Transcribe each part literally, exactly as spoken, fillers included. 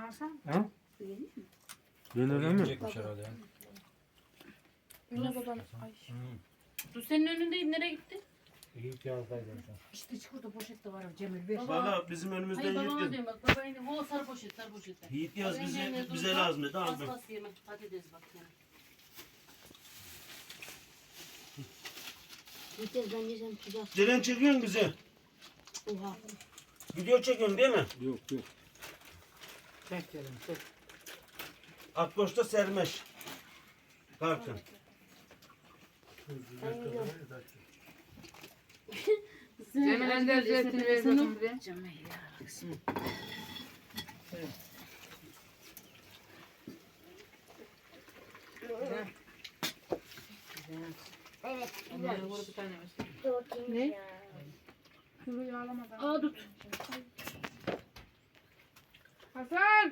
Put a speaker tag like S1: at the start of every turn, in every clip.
S1: Hasan.
S2: Ha?
S1: Yenir mi?
S2: Yenir mi?
S3: Yiyecekmiş herhalde ya.
S4: Yine baban. Ay.
S3: Hmm.
S5: Dur senin önündeyim, nereye gitti?
S2: İyi ki yazdaydım sen.
S1: İşte çikolata poşette var Cemil ver.
S5: Baba.
S6: Valla bizim önümüzden
S5: Hayır babama
S6: Yiğit,
S5: diyorum bak, baba yine o sarı poşet, sarı poşette.
S6: Yiğit yaz
S5: Baba
S6: bize,
S5: yine
S6: bize
S5: dur,
S6: lazım dedi
S5: bas
S6: aldım.
S5: bas yemek, patates bak yani.
S4: Yeter ben yesem sıcak.
S6: Ceren çekiyorsun bizi.
S4: Oha.
S6: Video çekiyorsun değil mi?
S2: Yok yok.
S1: Çek canım çek.
S6: Akboş'ta sermeş. Kartın.
S1: Cemil Ender zeytini ver bakayım buraya.
S5: Cemil ya.
S1: Güzel. Güzel.
S4: Evet.
S1: Onlara vur bir tane versin.
S4: Ne? Ya.
S7: Kuru yağlamadan.
S5: Aa tut.
S7: Hasan!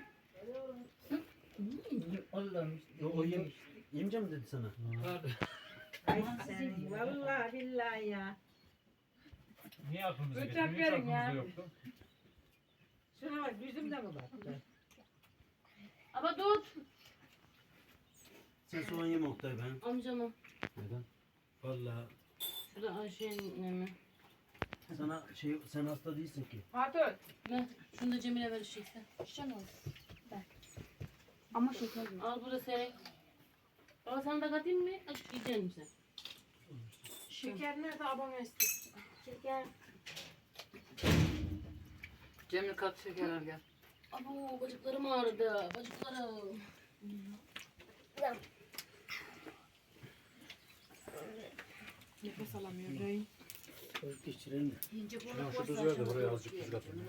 S1: Allah'ım.
S6: Yo, o yem, yemeyeceğim mi dedi sana?
S1: Ay sen vallahi billahi ya.
S3: Niye aklımıza
S7: Bıçak
S3: getirmiyor? Hiç
S7: verin ya.
S3: aklımızda yoktu.
S1: Şuna bak yüzümde mi baktı?
S5: Ama tut.
S6: Sen soğan yeme Oktay ben.
S5: Amcama.
S6: Neden? Valla
S5: Şurada Ayşe'nin mi?
S6: sana şey sen hasta değilsin ki.
S7: Fatih.
S5: Ne? Şunu da Cemil'e vereceksin.
S4: Şişen olur. Ben. Ama şeker yok.
S5: Al burada senin. Baba sana da katayım mı? Aç yiyecek misin sen?
S7: Şeker nerede abone istedim.
S4: Şeker.
S1: Cemil kat şeker al gel.
S5: Abo bacaklarım ağrıdı. Bacaklarım.
S7: Nefes alamıyor. Rey.
S6: Geçirelim.
S1: İnce
S3: Şuna şu tuz ver de buraya azıcık tuz katın.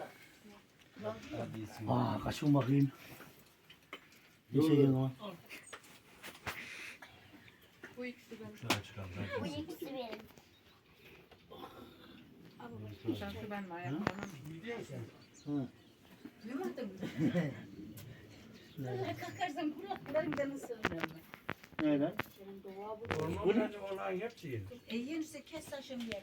S6: Aa kaçın bakayım. Ne şey ama?
S7: Bu ikisi benim.
S3: Şuna çıkalım.
S4: Bu ikisi benim.
S7: Şansı ben mi ayaklarım?
S6: Hı.
S1: Duymadın mı?
S4: Kalkarsan kulaklarım canı sığmıyor.
S6: Neyle?
S4: Senin doğa bu.
S2: Orman bence olan hepsi yenir.
S1: E yenirse kes taşım yer.